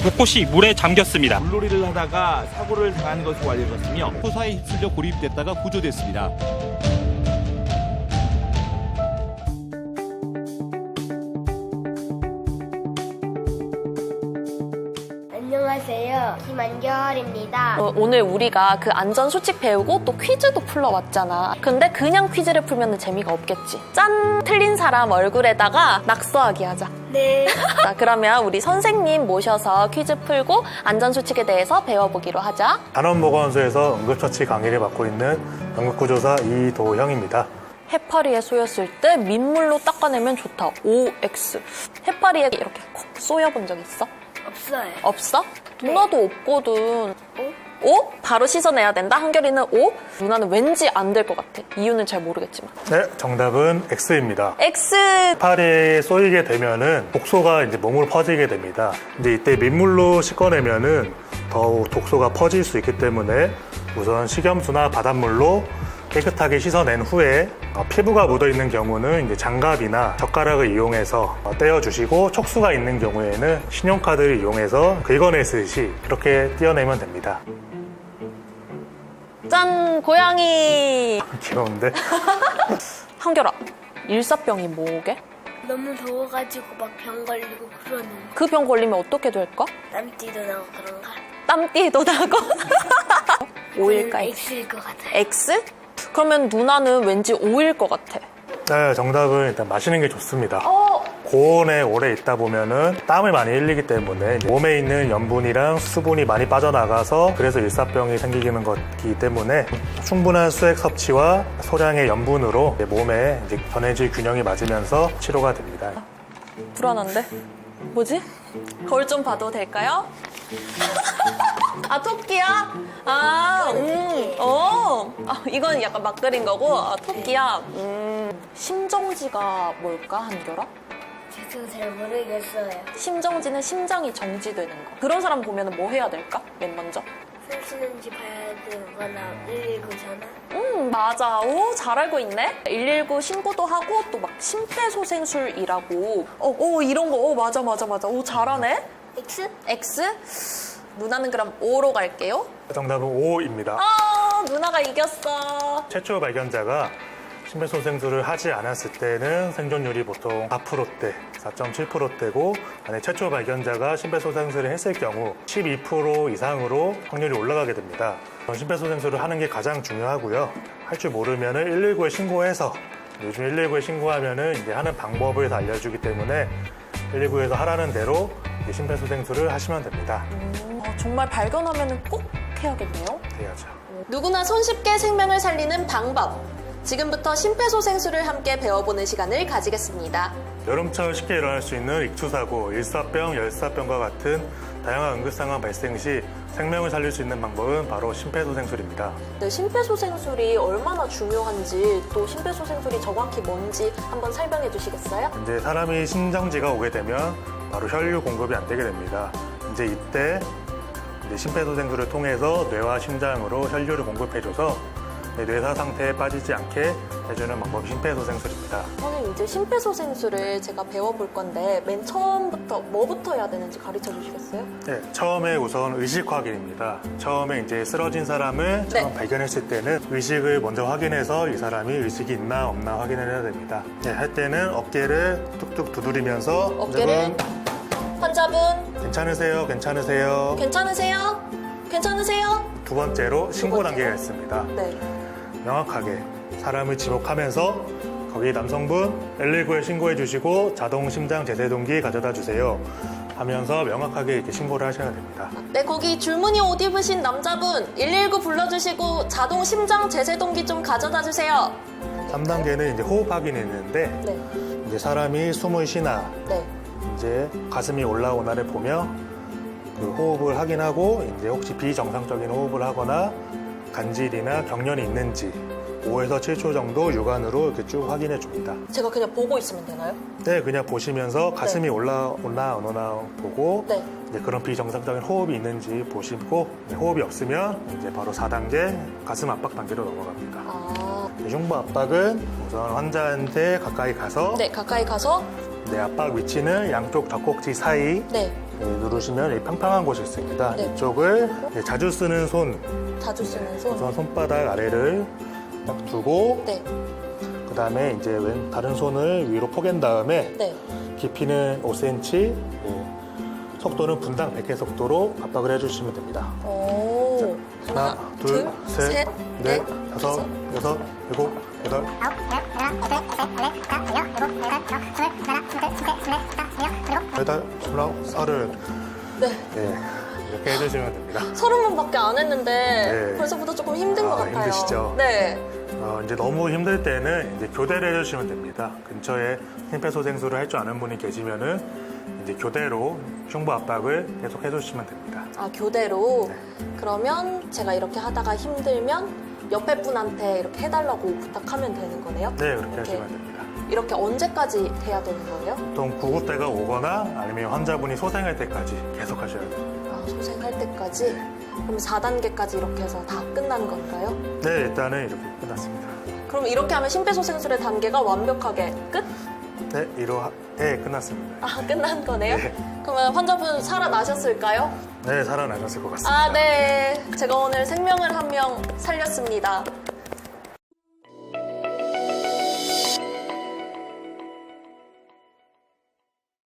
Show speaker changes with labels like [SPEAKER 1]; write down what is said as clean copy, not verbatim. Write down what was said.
[SPEAKER 1] 곳곳이 물에 잠겼습니다.
[SPEAKER 2] 물놀이를 하다가 사고를 당한 것으로 알려졌으며
[SPEAKER 3] 호사에 휩쓸려 고립됐다가 구조됐습니다.
[SPEAKER 4] 안녕하세요. 김한결입니다.
[SPEAKER 5] 오늘 우리가 그 안전수칙 배우고 또 퀴즈도 풀러왔잖아. 근데 그냥 퀴즈를 풀면 재미가 없겠지. 짠! 틀린 사람 얼굴에다가 낙서하기 하자.
[SPEAKER 4] 네.
[SPEAKER 5] 자, 그러면 우리 선생님 모셔서 퀴즈 풀고 안전수칙에 대해서 배워보기로 하자.
[SPEAKER 6] 단원보건소에서 응급처치 강의를 맡고 있는 응급구조사 이도형입니다.
[SPEAKER 5] 해파리에 쏘였을 때 민물로 닦아내면 좋다. OX. 해파리에 이렇게 콕 쏘여본 적 있어?
[SPEAKER 4] 없어요.
[SPEAKER 5] 없어? 누나도 없거든. O? 바로 씻어내야 된다? 한결이는 O? 누나는 왠지 안 될 것 같아. 이유는 잘 모르겠지만.
[SPEAKER 6] 네, 정답은 X입니다.
[SPEAKER 5] X!
[SPEAKER 6] 해파리에 쏘이게 되면은 독소가 이제 몸으로 퍼지게 됩니다. 근데 이때 민물로 씻어내면은 더욱 독소가 퍼질 수 있기 때문에 우선 식염수나 바닷물로 깨끗하게 씻어낸 후에 피부가 묻어 있는 경우는 이제 장갑이나 젓가락을 이용해서 떼어주시고 촉수가 있는 경우에는 신용카드를 이용해서 긁어내듯이 이렇게 떼어내면 됩니다.
[SPEAKER 5] 짠! 고양이!
[SPEAKER 6] 귀여운데?
[SPEAKER 5] 한결아, 일사병이 뭐게?
[SPEAKER 4] 너무 더워가지고 막 병 걸리고 그러는 거.
[SPEAKER 5] 그 병 걸리면 어떻게 될까?
[SPEAKER 4] 땀띠도 나고 그런가?
[SPEAKER 5] 땀띠도 나고? O일까?
[SPEAKER 4] X일 것 같아요.
[SPEAKER 5] X? 그러면 누나는 왠지 O일 것 같아.
[SPEAKER 6] 네, 정답은 일단 마시는 게 좋습니다. 고온에 오래 있다 보면은 땀을 많이 흘리기 때문에 몸에 있는 염분이랑 수분이 많이 빠져나가서 그래서 일사병이 생기는 것이기 때문에 충분한 수액 섭취와 소량의 염분으로 몸에 이제 전해질 균형이 맞으면서 치료가 됩니다.
[SPEAKER 5] 불안한데? 뭐지? 거울 좀 봐도 될까요? 아, 토끼야? 이건 약간 막 그린 거고, 토끼야. 심정지가 뭘까, 한결아?
[SPEAKER 4] 저도 잘 모르겠어요.
[SPEAKER 5] 심정지는 심장이 정지되는 거. 그런 사람 보면 뭐 해야 될까? 맨 먼저.
[SPEAKER 4] 숨 쉬는지 봐야 되거나 119 전화?
[SPEAKER 5] 맞아. 오, 잘 알고 있네. 119 신고도 하고 또 막 심폐소생술이라고. 이런 거. 맞아. 오, 잘하네.
[SPEAKER 4] X?
[SPEAKER 5] X? 누나는 그럼 O로 갈게요.
[SPEAKER 6] 정답은 O입니다.
[SPEAKER 5] 누나가 이겼어.
[SPEAKER 6] 최초 발견자가 심폐소생술을 하지 않았을 때는 생존율이 보통 4%대, 4.7%대고 만약 최초 발견자가 심폐소생술을 했을 경우 12% 이상으로 확률이 올라가게 됩니다. 심폐소생술을 하는 게 가장 중요하고요. 할 줄 모르면 119에 신고해서 요즘 119에 신고하면은 이제 하는 방법을 다 알려주기 때문에 119에서 하라는 대로 심폐소생술을 하시면 됩니다.
[SPEAKER 5] 정말 발견하면 꼭 해야겠네요.
[SPEAKER 6] 해야죠.
[SPEAKER 5] 누구나 손쉽게 생명을 살리는 방법. 지금부터 심폐소생술을 함께 배워보는 시간을 가지겠습니다.
[SPEAKER 6] 여름철 쉽게 일어날 수 있는 익투사고, 일사병, 열사병과 같은 다양한 응급상황 발생 시 생명을 살릴 수 있는 방법은 바로 심폐소생술입니다.
[SPEAKER 5] 네, 심폐소생술이 얼마나 중요한지 또 심폐소생술이 정확히 뭔지 한번 설명해 주시겠어요?
[SPEAKER 6] 이제 사람이 심정지가 오게 되면 바로 혈류 공급이 안 되게 됩니다. 이제 이때 심폐소생술을 통해서 뇌와 심장으로 혈류를 공급해줘서 뇌사 상태에 빠지지 않게 해주는 방법이 심폐소생술입니다.
[SPEAKER 5] 선생님, 이제 심폐소생술을 제가 배워볼 건데 맨 처음부터 뭐부터 해야 되는지 가르쳐 주시겠어요?
[SPEAKER 6] 네, 처음에 우선 의식 확인입니다. 처음에 이제 쓰러진 사람을 처음 발견했을 때는 의식을 먼저 확인해서 이 사람이 의식이 있나 없나 확인을 해야 됩니다. 네, 할 때는 어깨를 툭툭 두드리면서
[SPEAKER 5] 어깨를 환자분
[SPEAKER 6] 괜찮으세요? 괜찮으세요?
[SPEAKER 5] 괜찮으세요? 괜찮으세요?
[SPEAKER 6] 두 번째로 신고 단계가 있습니다.
[SPEAKER 5] 네.
[SPEAKER 6] 명확하게 사람을 지목하면서 거기 남성분 119에 신고해 주시고 자동 심장 제세동기 가져다 주세요 하면서 명확하게 이렇게 신고를 하셔야 됩니다.
[SPEAKER 5] 네, 거기 줄무늬 옷 입으신 남자분 119 불러주시고 자동 심장 제세동기 좀 가져다 주세요.
[SPEAKER 6] 3단계는 이제 호흡 확인이 있는데
[SPEAKER 5] 네.
[SPEAKER 6] 이제 사람이 숨을 쉬나
[SPEAKER 5] 네.
[SPEAKER 6] 이제 가슴이 올라오나를 보며 그 호흡을 확인하고 이제 혹시 비정상적인 호흡을 하거나 간질이나 경련이 있는지 5에서 7초 정도 육안으로 이렇게 쭉 확인해 줍니다.
[SPEAKER 5] 제가 그냥 보고 있으면 되나요?
[SPEAKER 6] 네, 그냥 보시면서 가슴이 올라오나 안 오나 보고
[SPEAKER 5] 네.
[SPEAKER 6] 이제 그런 비정상적인 호흡이 있는지 보시고 호흡이 없으면 이제 바로 4단계 가슴 압박 단계로 넘어갑니다. 흉부 압박은 우선 환자한테 가까이 가서
[SPEAKER 5] 네, 가까이 가서
[SPEAKER 6] 네, 압박 위치는 양쪽 젖꼭지 사이
[SPEAKER 5] 네.
[SPEAKER 6] 누르시면 이 평평한 곳이 있습니다.
[SPEAKER 5] 네.
[SPEAKER 6] 이쪽을 자주 쓰는 손,
[SPEAKER 5] 자주 쓰는 손.
[SPEAKER 6] 우선 손바닥 아래를 딱 두고
[SPEAKER 5] 네.
[SPEAKER 6] 그 다음에 이제 다른 손을 위로 포갠 다음에
[SPEAKER 5] 네.
[SPEAKER 6] 깊이는 5cm, 속도는 분당 100회 속도로 압박을 해주시면 됩니다.
[SPEAKER 5] 오.
[SPEAKER 6] 하나, 둘, 셋, 넷, 다섯,
[SPEAKER 5] 다섯.
[SPEAKER 6] 여섯, 일곱, 여덟. 여덟, 스물아홉, 서른.
[SPEAKER 5] 네.
[SPEAKER 6] 네, 이렇게 해주시면 됩니다.
[SPEAKER 5] 30번밖에 안 했는데
[SPEAKER 6] 네.
[SPEAKER 5] 벌써부터 조금 힘든 것 같아요.
[SPEAKER 6] 힘드시죠?
[SPEAKER 5] 네.
[SPEAKER 6] 이제 너무 힘들 때는 이제 교대를 해주시면 됩니다. 근처에 심폐소생술을 할 줄 아는 분이 계시면은 이제 교대로 흉부 압박을 계속 해주시면 됩니다.
[SPEAKER 5] 아, 교대로.
[SPEAKER 6] 네.
[SPEAKER 5] 그러면 제가 이렇게 하다가 힘들면 옆에 분한테 이렇게 해달라고 부탁하면 되는 거네요?
[SPEAKER 6] 네, 그렇게
[SPEAKER 5] 이렇게.
[SPEAKER 6] 하시면 됩니다.
[SPEAKER 5] 이렇게 언제까지 돼야 되는 거예요?
[SPEAKER 6] 보통 구급대가 오거나 아니면 환자분이 소생할 때까지 계속 하셔야 돼요.
[SPEAKER 5] 아, 소생할 때까지? 그럼 4단계까지 이렇게 해서 다 끝난 건가요?
[SPEAKER 6] 네, 일단은 이렇게 끝났습니다.
[SPEAKER 5] 그럼 이렇게 하면 심폐소생술의 단계가 완벽하게 끝?
[SPEAKER 6] 네, 네, 끝났습니다.
[SPEAKER 5] 아, 끝난 거네요?
[SPEAKER 6] 네.
[SPEAKER 5] 그러면 환자분 살아나셨을까요?
[SPEAKER 6] 네, 살아나셨을 것 같습니다.
[SPEAKER 5] 아, 네. 제가 오늘 생명을 한 명 살렸습니다.